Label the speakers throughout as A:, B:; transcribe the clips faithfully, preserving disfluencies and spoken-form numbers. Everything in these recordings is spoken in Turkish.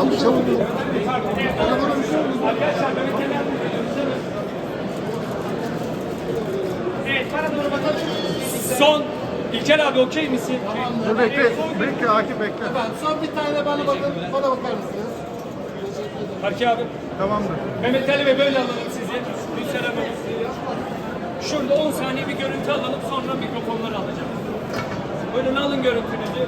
A: Çabuk.
B: Evet, bana doğru bakalım. Son. İlker abi okey misin?
A: Dur bekle. Bekle Akif bekle.
C: Efendim son bir tane bana bakın, bana bakar mısınız?
B: Harki abi.
A: Tamamdır.
B: Mehmet Ali Bey böyle alalım sizi. Gülşen Hanım. Şurada on saniye bir görüntü alalım, sonra mikrofonları alacağım. Buyurun alın görüntünüzü.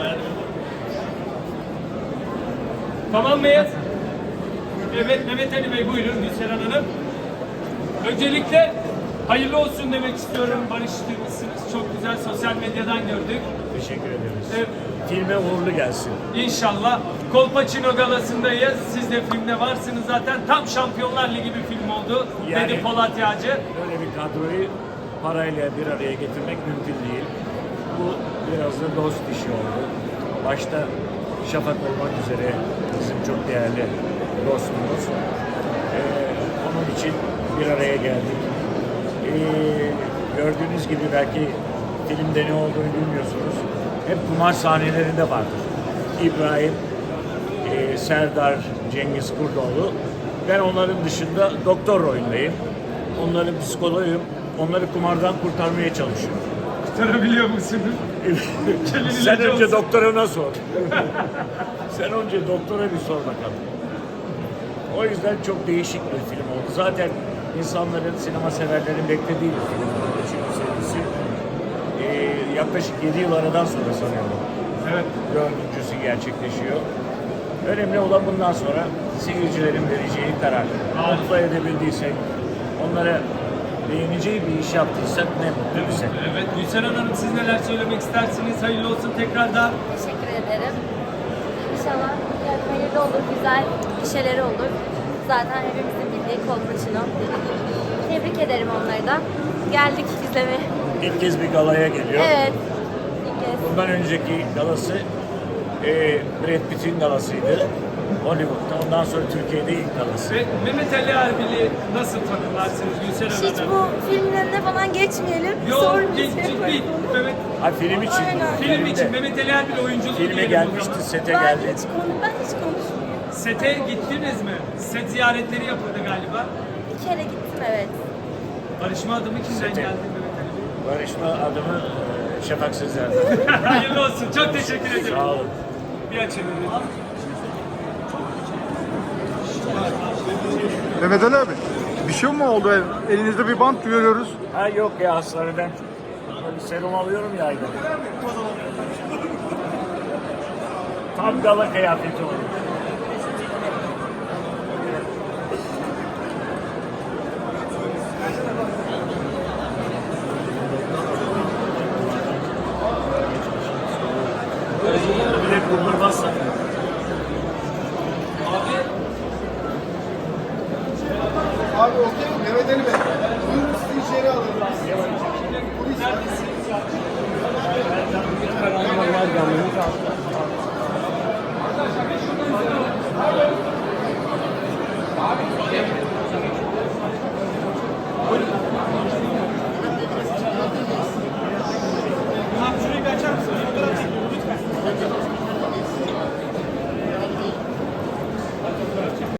B: Tamam mıyız? Evet Mehmet Ali Bey buyurun Gülşen Hanım. Öncelikle hayırlı olsun demek istiyorum. Barıştırmışsınız. Çok güzel sosyal medyadan gördük.
D: Teşekkür ederiz.
B: Evet.
D: Filme uğurlu gelsin.
B: İnşallah. Kolpaçino galasındayız. Siz de filmde varsınız zaten. Tam Şampiyonlar Ligi bir film oldu.
D: Yani-
B: Dedi Polat Yağcı.
D: Böyle bir kadroyu parayla bir araya getirmek mümkün değil. Bu biraz da dost işi oldu. Başta Şafak olmak üzere bizim çok değerli dostumuz. Ee, onun için bir araya geldik. Ee, gördüğünüz gibi belki filmde ne olduğunu bilmiyorsunuz. Hep kumar sahnelerinde vardır. İbrahim, e, Serdar, Cengiz Kurdoğlu. Ben onların dışında doktor rolündeyim. Onların psikoloğuyum. Onları kumardan kurtarmaya çalışıyorum.
B: Kurtarabiliyor musunuz?
D: Sen önce doktoruna sor. Sen önce doktora bir sor bakalım. O yüzden çok değişik bir film oldu. Zaten insanların, sinema severlerin beklediği bir film oldu. Çünkü serisi e, yaklaşık yedi yıl aradan sonra sanıyorum.
B: Evet.
D: Dördüncüsü gerçekleşiyor. Önemli olan bundan sonra seyircilerin vereceği karar. Mutlu edebildiysek, onlara beğeneceği bir iş yaptıysak ne mutlu bize.
B: Evet, Gülşen Hanım siz neler söylemek istersiniz? Hayırlı olsun tekrardan.
E: Teşekkür ederim. İnşallah yani hayırlı olur, güzel bir şeyleri olur. Zaten hepimizin bildiği Kolpaçino. Tebrik ederim onları da. Geldik izlemeye.
D: İlk kez bir galaya geliyor.
E: Evet. İlk kez.
D: Bundan önceki galası e, Brad Pitt'in galasıydı. Hollywood'da. Ondan sonra Türkiye'de ilk galası.
B: Ve Mehmet Ali Erbil'i nasıl tanımlarsınız Gülşen
E: Hiç
B: Hanım?
E: bu filmin önüne falan geçmeyelim.
B: Yok,
E: Sormayacağım.
B: ciddi. Mehmet,
D: Ha, film için.
E: Aynen.
B: film
D: Filmde.
B: için Mehmet Ali Erbil oyunculuğu
D: Filme
B: diyelim o
D: gelmişti,
B: zaman.
D: sete
E: Ben
D: geldi.
E: hiç, konu, ben hiç konuşmuyorum.
B: Sete gittiniz mi? Set ziyaretleri yapıldı galiba.
E: Bir kere gittim evet.
B: Barışma adımı kimden
D: Sete.
B: geldi Mehmet Ali Bey?
D: Barışma adımı e, Şafak Sezer'den.
B: Hayırlı olsun. Çok teşekkür ederim.
D: Sağ olun.
B: Bir açın.
A: Mehmet Ali abi. Bir şey mi oldu? Elinizde bir bant görüyoruz.
D: Ha yok ya hastaneden. Bir serum alıyorum ya ayda. Tam gala kıyafeti oldu. Bir de kurdurmazsa.
C: Abi okey mi? Mehmet Ali Bey. Buyurun sizi içeri alalım.